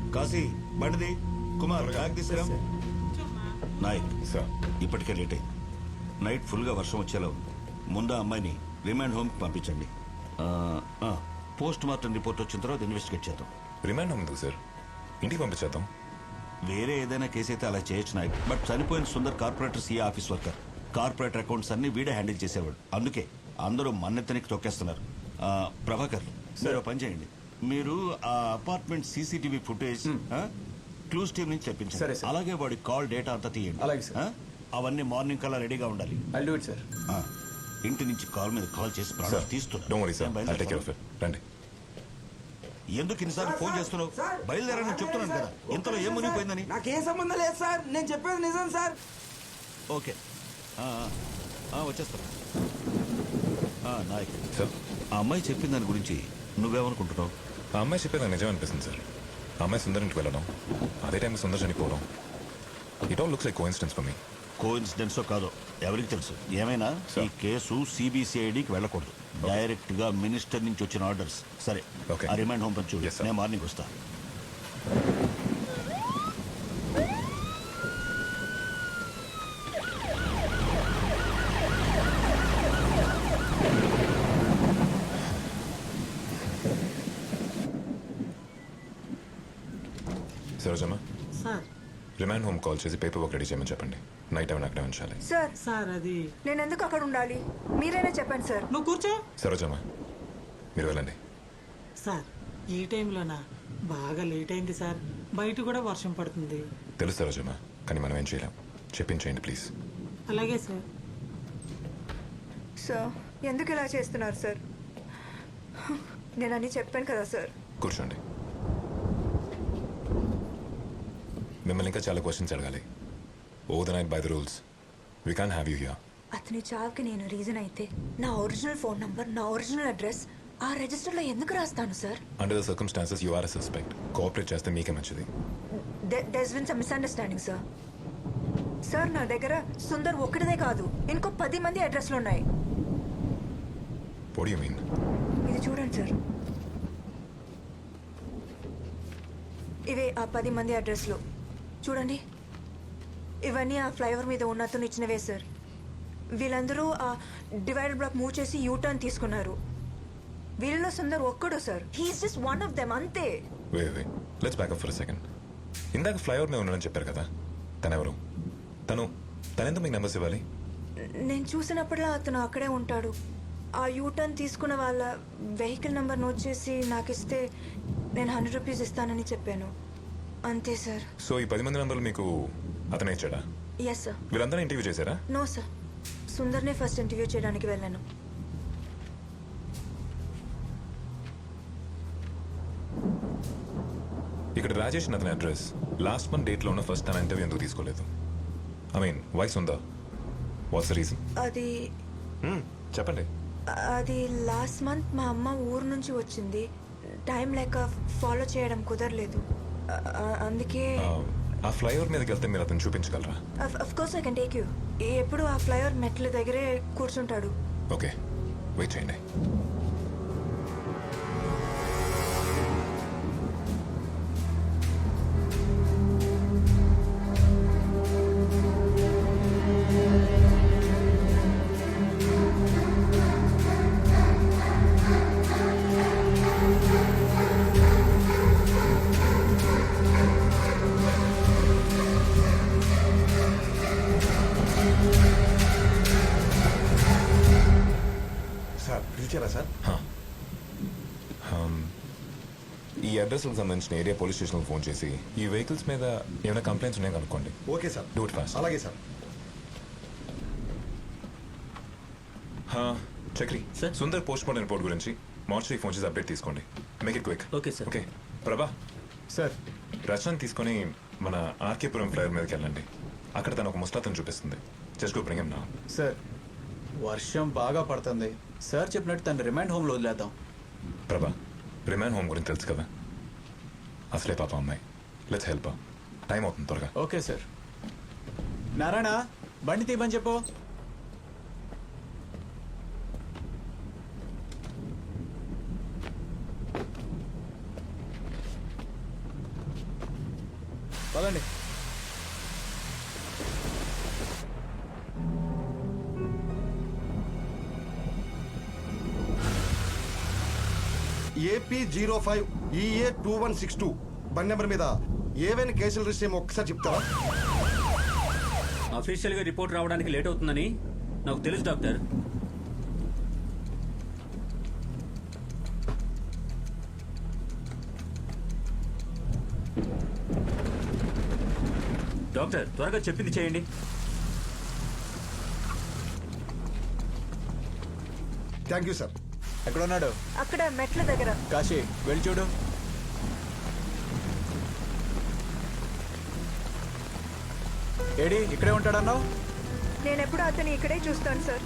కాశీ బండిది, కుమార్ బ్యాగ్ తీసుకురా. నాయక్ సార్ ఇప్పటికే లేట్ అయింది. నైట్ ఫుల్గా వర్షం వచ్చేలా ఉంది. ముందు ఆ అమ్మాయిని రిమాండ్ హోమ్కి పంపించండి. పోస్ట్ మార్టం రిపోర్ట్ వచ్చిన తర్వాత ఇన్వెస్టిగేట్ చేద్దాం. రిమాండ్ ఉంది సార్, ఇంటికి పంపించేద్దాం. వేరే ఏదైనా కేసు అయితే అలా చేయొచ్చు నాయక్. బట్ చనిపోయిన Sundar corporator CA office worker. Corporator accounts అన్ని వీడే హ్యాండిల్ చేసేవాడు. అందుకే అందరూ మన్నెత్తనికి తొక్కేస్తున్నారు. ప్రభాకర్ మీరు పని చేయండి. మీరు ఆ apartment CCTV footage clues team నుంచి తెప్పించండి. అలాగే వాడి కాల్ డేటా అంతా తీయండి. అలాగే సార్. అవన్నీ మార్నింగ్ కల్లా రెడీగా ఉండాలి. I'll do it, sir. ఇంటి నుంచి కాల్ మీద కాల్ చేసి ప్రాణాలు తీస్తున్నారు. రండి. ఎందుకు ఇన్నిసార్లు ఫోన్ చేస్తున్నావు? బయలుదేరని చెప్తున్నాను కదా. ఇంతలో ఏం మునిగిపోయిందని. నాకేం సంబంధం లేదు సార్, నేను చెప్పేది నిజం సార్. ఓకే వచ్చేస్తాను. నాయక్ సార్ ఆ అమ్మాయి చెప్పిన దాని గురించి నువ్వేమనుకుంటున్నావు? ఆ అమ్మాయి చెప్పేది నాకు నిజం అనిపిస్తుంది సార్. ఆ అమ్మాయి సుందర్ ఇంటికి వెళ్ళడం, అదే టైం సుందర్ చనిపోవడం, it all looks like coincidence for me. కోఇన్సిడెన్సో కాదో ఎవరికి తెలుసు. ఏమైనా ఈ కేసు సిబిసిఐడికి వెళ్ళకూడదు. డైరెక్ట్ గా మినిస్టర్ నుంచి వచ్చిన ఆర్డర్స్. సరే ఆ రిమైండ్ హోమ్ పంచు. నేను మార్నింగ్ వస్తా. Sarojamma sir remand home call చేసి పేపర్ వర్క్ రెడీ చేయమని చెప్పండి. నైట్ టైం అక్కడే ఉంచాలి. సార్ సార్ అది నేను ఎందుకు అక్కడ ఉండాలి? మీరైనా చెప్పండి సార్. నువ్వు కూర్చో. సరోజమ్మ మీరు వెళ్ళండి. సార్ ఈ టైంలోనా? బాగా లేట్ అయింది సార్. బయట కూడా వర్షం పడుతుంది. తెలుసు సరోజమ్మ, కానీ మనం ఏం చేయలేం. చెప్పించేయండి ప్లీజ్. అలాగే సార్. సార్ ఎందుకు ఇలా చేస్తున్నారు సార్? నేను అన్నీ చెప్పాను కదా సార్. కూర్చోండి. మిమ్మల్ని ఇంకా చాలా క్వశ్చన్స్ అడగాలి. Over the night by the rules we can't have you here. అతని చావుకి నేను రీజన్ అయితే నా ఒరిజినల్ ఫోన్ నంబర్, నా ఒరిజినల్ అడ్రస్ ఆ రిజిస్టర్లో ఎందుకు రాస్తాను sir? Under the circumstances you are a suspect. Cooperate చేస్తే మీకే మంచిది. There's been some misunderstanding sir. Sir నా దగ్గర సుందర్ ఒక్కటిదే కాదు, ఇంకో 10 మంది అడ్రస్లు ఉన్నాయి. What do you mean? ఇది చూడండి సార్. ఇవే ఆ 10 మంది అడ్రస్లు. చూడండి, ఇవన్నీ ఆ ఫ్లైఓవర్ మీద ఉన్న అతను ఇచ్చినవే సార్. వీళ్ళందరూ ఆ డివైడర్ బ్లాక్ మూవ్ చేసి యూటర్న్ తీసుకున్నారు. వీళ్ళలో సుందర్ ఒక్కడు sir. He is just one of them, అంతే. Wait let's back up for a second. ఇందాక ఫ్లైఓవర్ మీద ఉన్నాడని చెప్పారు కదా, తనెవరు? తనెందుకు మీకు నెంబర్స్ ఇవ్వాలి? నేను చూసినప్పుడల్లా అతను అక్కడే ఉంటాడు. ఆ యూటర్న్ తీసుకున్న వాళ్ళ వెహికల్ నెంబర్ నోట్ చేసి నాకు ఇస్తే నేను 100 రూపీస్ ఇస్తానని చెప్పాను, అంతే సార్. సో ఈ 10 మంది నెంబర్లు మీకు అతనే ఇచ్చాడా? Yes sir. వీళ్ళందరూ ఇంటర్వ్యూ చేశారా? నో సార్, సుందర్నే ఫస్ట్ ఇంటర్వ్యూ చేయడానికి వెళ్ళాను. ఇక్కడ రాజేష్ అతని అడ్రస్ లాస్ట్ మంత్ డేట్లో ఉన్న ఫస్ట్ తన ఇంటర్వ్యూ ఎందుకు తీసుకోలేదు? ఐ మీన్ వాయిస్ ఉందా? What's the reason? అది చెప్పండి. అది లాస్ట్ మంత్ మా అమ్మ ఊరు నుంచి వచ్చింది. టైం లేక ఫాలో చేయడం కుదరలేదు, అందుకే. ఆ ఫ్లైఓవర్ మీదకి వెళ్తే మీరు అతను చూపించగలరా? Of course I can take you. ఎప్పుడు ఆ ఫ్లైఓవర్ మెట్ల దగ్గరే కూర్చుంటాడు. ఓకే, వెయిట్ చేయండి. ఈ అడ్రస్కి సంబంధించిన ఏరియా పోలీస్ స్టేషన్కి ఫోన్ చేసి ఈ వెహికల్స్ మీద ఏమైనా కంప్లైంట్స్ ఉన్నాయో కనుక్కోండి. Okay sir. Do it fast. అలాగే sir. Chakri sir. Sundar post mortem report గురించి మార్చి ఫోన్ చేసి అప్డేట్ తీసుకోండి. Make it quick. Okay sir. Okay Prabha sir. Rachana తీసుకొని మన ఆర్కేపురం ఫ్లైఓవర్ మీదకి వెళ్ళండి. అక్కడ తను ఒక ముస్తాతను చూపిస్తుంది. Just go bring him now. Sir వర్షం బాగా పడుతుంది సార్. చెప్పినట్టు తను రిమైండ్ హోమ్లో వదిలేద్దాం. ప్రభా రిమాండ్ హోమ్ గురించి తెలుసు కదా, అసలే పాప అమ్మాయి. Let's help. టైం అవుతుంది, త్వరగా. Okay sir. నారాయణ బండి తీయమని చెప్పు. పదండి. AP05 EA 2162 బండి నెంబర్ మీద ఏవైనా కేసులు రిజిస్టర్ ఏమో ఒక్కసారి చెప్తారా? అఫీషియల్ గా రిపోర్ట్ రావడానికి లేట్ అవుతుందని నాకు తెలుసు డాక్టర్. డాక్టర్ త్వరగా చెప్పింది చేయండి. Thank you sir. ఎక్కడ ఉన్నాడు? అక్కడ మెట్ల దగ్గర. కాశీ వెళ్ళి చూడు. ఏడి ఇక్కడే ఉంటాడన్నావు? నేను ఎప్పుడు అతను ఇక్కడే చూస్తాను సార్.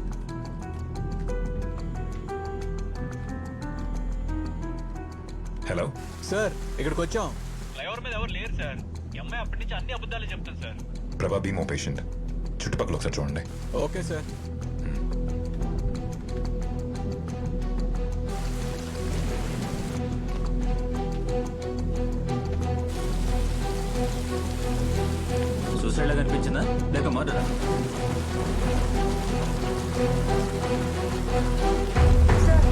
హలో సార్ ఇక్కడికి వచ్చాం. ఫ్లైఓవర్ మీద ఎవరు లేరు సార్. ఈ అమ్మాయి అప్పటి నుంచి అన్ని అబద్ధాలు చెప్తాను సార్. ప్రభా బీమో పేషెంట్. చుట్టుపక్కల ఒకసారి చూడండి. Okay sir. సూసైడ్ లాగా అనిపించిందా లేక మర్డరా? సార్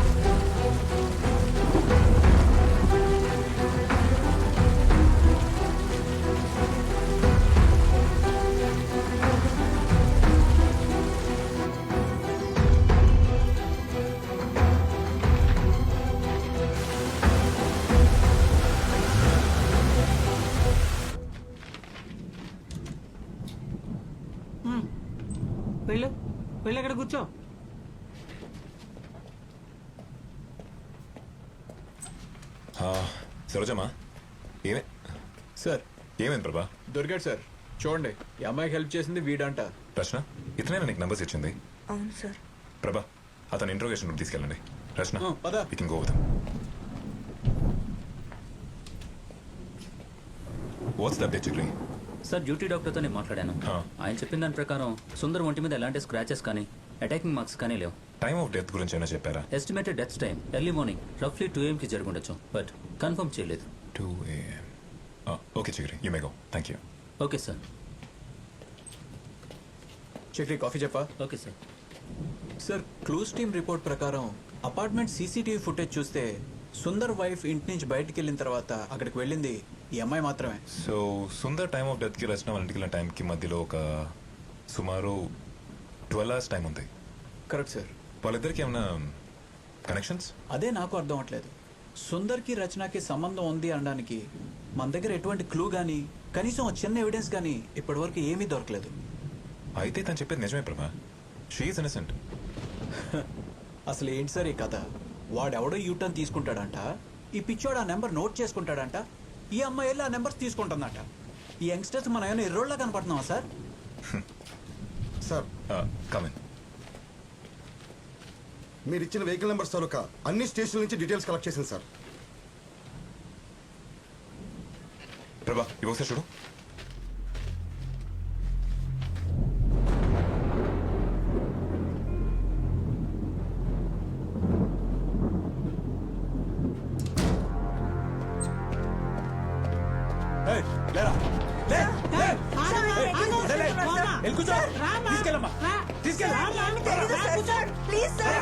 వెళ్ళు వెళ్ళి అక్కడ కూర్చో. సరోజమ్మా ఏమే సార్ ఏమైంది ప్రభా? దొరికాడు సార్. చూడండి ఈ అమ్మాయికి హెల్ప్ చేసింది వీడంట. రచన ఇతనైనా నీకు నంబర్స్ ఇచ్చింది? అవును సార్. ప్రభా అతను ఇంట్రోగేషన్ రూమ్ తీసుకెళ్ళండి. రచన పద. we can go with him. What's the update, Chikri? Sir duty డాక్టర్తో నేను మాట్లాడాను. ఆయన చెప్పిన దాని ప్రకారం సుందర్ ఒంటి మీద ఎలాంటి స్క్రాచెస్ కానీ అటాకింగ్ మార్క్స్ కానీ లేవు. టైమ్ ఆఫ్ డెత్ గురించి ఏమైనా చెప్పారా? Estimated death time early morning రఫ్లీ 2 AM కి జరుగుండొచ్చు, బట్ కన్ఫర్మ్ చేయలేదు. 2 AM. Okay Chigri, you may go. Thank you. Okay sir. Chakri coffee చెప్పా? Okay sir. Sir clues team report ప్రకారం అపార్ట్మెంట్ సీసీటీవీ ఫుటేజ్ చూస్తే సుందర్ వైఫ్ ఇంటి నుంచి బయటికి వెళ్ళిన తర్వాత అక్కడికి వెళ్ళింది ఈ అమ్మాయి మాత్రమే. సో సుందర్ టైమ్ ఆఫ్ డెత్కి రచన వాళ్ళ ఇంటికి వెళ్ళిన టైంకి మధ్యలో ఒక సుమారు 12 hours టైం ఉంది. Correct sir. వాళ్ళిద్దరికి ఏమైనా కనెక్షన్స్? అదే నాకు అర్థం అవట్లేదు. సుందర్కి రచనకి సంబంధం ఉంది అనడానికి మన దగ్గర ఎటువంటి క్లూ కానీ కనీసం ఒక చిన్న ఎవిడెన్స్ కానీ ఇప్పటివరకు ఏమీ దొరకలేదు. అయితే తను చెప్పేది నిజమే ప్రభా. She is innocent. అసలు ఏంటి సార్ ఈ కథ? వాడెవడో యూటర్న్ తీసుకుంటాడంట, ఈ పిచ్చోడు ఆ నెంబర్ నోట్ చేసుకుంటాడంట, ఈ అమ్మాయి వెళ్ళి ఆ నెంబర్స్ తీసుకుంటుందంట. ఈ యంగ్స్టర్స్ మన ఏమైనా ఎర్రోళ్ళ కనపడుతున్నావా సార్? Sir come in. మీరు ఇచ్చిన వెహికల్ నెంబర్స్ తాలూకా అన్ని స్టేషన్ల నుంచి డీటెయిల్స్ కలెక్ట్ చేసింది సార్. ప్రభా ఇవి ఒకసారి చూడు. ఏయ్, లేరా. లే, లే. లే, లే. వెళ్ళి కూర్చో. తీసుకెళ్ళమ్మా. Please sir.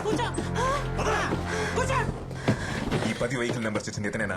ఈ 10 వెహికల్ నెంబర్స్ ఇచ్చింది ఇతనేనా?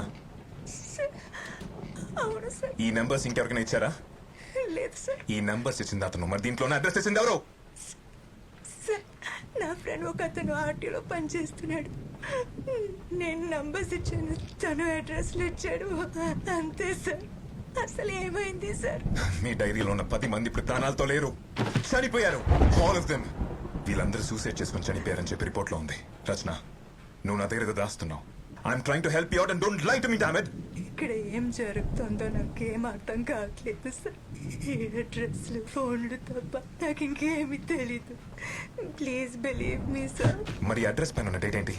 అవును సార్. ఈ నెంబర్స్ ఇంకెవరికైనా ఇచ్చారా? లేదు సార్. ఈ నెంబర్స్ ఇచ్చింది అతను, మరి దీంట్లోనే అడ్రస్ ఇచ్చింది ఎవరు? సార్ నా ఫ్రెండ్ ఒక అతను ఆర్టీలో పనిచేస్తున్నాడు. నేను నంబర్స్ ఇచ్చాను, తను అడ్రస్లు ఇచ్చాడు, అంతే సార్. అసలు ఏమైంది సార్? మీ డైరీలో ఉన్న 10 మంది ఇప్పుడు ప్రాణాలతో లేరు, చనిపోయారు. All of them. వీళ్ళందరూ సూసైడ్ చేసుకుని చనిపోయారని చెప్పి రిపోర్ట్ లో ఉంది. రచన, నువ్వు నా దగ్గర దాస్తున్నావు. I'm trying to help you out and don't lie to me damn it. ఇక్కడ ఏం జరుగుతుందో నాకేం అర్థం కావట్లేదు సార్. ఈ అడ్రస్లు ఫోన్లు తప్ప నాకు ఇంకేమీ తెలీదు. Please believe me sir. మరి అడ్రస్ పైన ఉన్న డేట్ ఏంటి?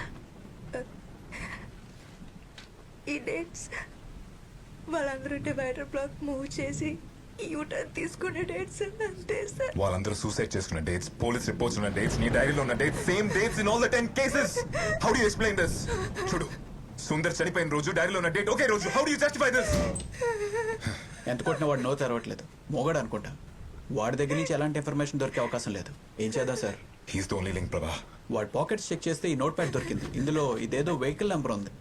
ఈ డేట్స్ వాళ్ళందరూ డివైడర్ బ్లాక్ మూవ్ చేసి యూటర్న్ తీసుకునే డేట్స్ అంతే సార్. వాళ్ళందరూ సూసైడ్ చేసుకున్న డేట్స్, పోలీస్ రిపోర్ట్స్ ఉన్న డేట్స్, నీ డైరీలో ఉన్న dates, same dates in all the 10 cases. How do you explain this? చూడు, సుందర్ చనిపోయిన రోజు డైరీలో ఉన్న డేట్ ఒకే రోజు. How do you justify this? ఎంత కొట్టినా వాడు నో తెరవట్లేదు. మోగాడు అనుకుంటా. వాడి దగ్గర నుంచి ఎలాంటి ఇన్ఫర్మేషన్ దొరికే అవకాశం లేదు. ఏం చేద్దాం sir? He's the only link Prabha. వాడి పాకెట్స్ చెక్ చేస్తే ఈ నోట్ ప్యాడ్ దొరికింది. ఇందులో ఇదేదో వెహికల్ నెంబర్ ఉంది.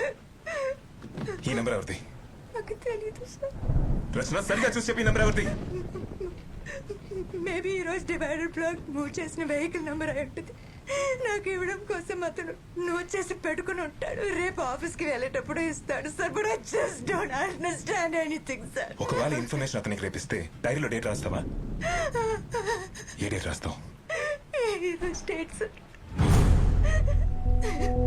ఈ నెంబర్ ఎవరిది? నాకు తెలీదు సార్. రచన సరిగా చూసి చెప్పి నెంబర్ ఎవరిది? మేబీ ఈరోజు డివైడర్ బ్లాక్ మూవ్ చేసిన వెహికల్ నెంబర్ అయి ఉంటుంది. నాకు ఇవ్వడం కోసం అతను నోట్ చేసి పెట్టుకుని ఉంటాడు. రేపు ఆఫీస్కి వెళ్ళేటప్పుడు ఇస్తాడు sir. But I just don't understand anything sir. ఒకవేళ ఇన్ఫర్మేషన్ అతనికి రేపిస్తే డైరీలో డేట్ రాస్తావా? ఏ డేట్ రాస్తావు? ఈరోజు డేట్ సార్.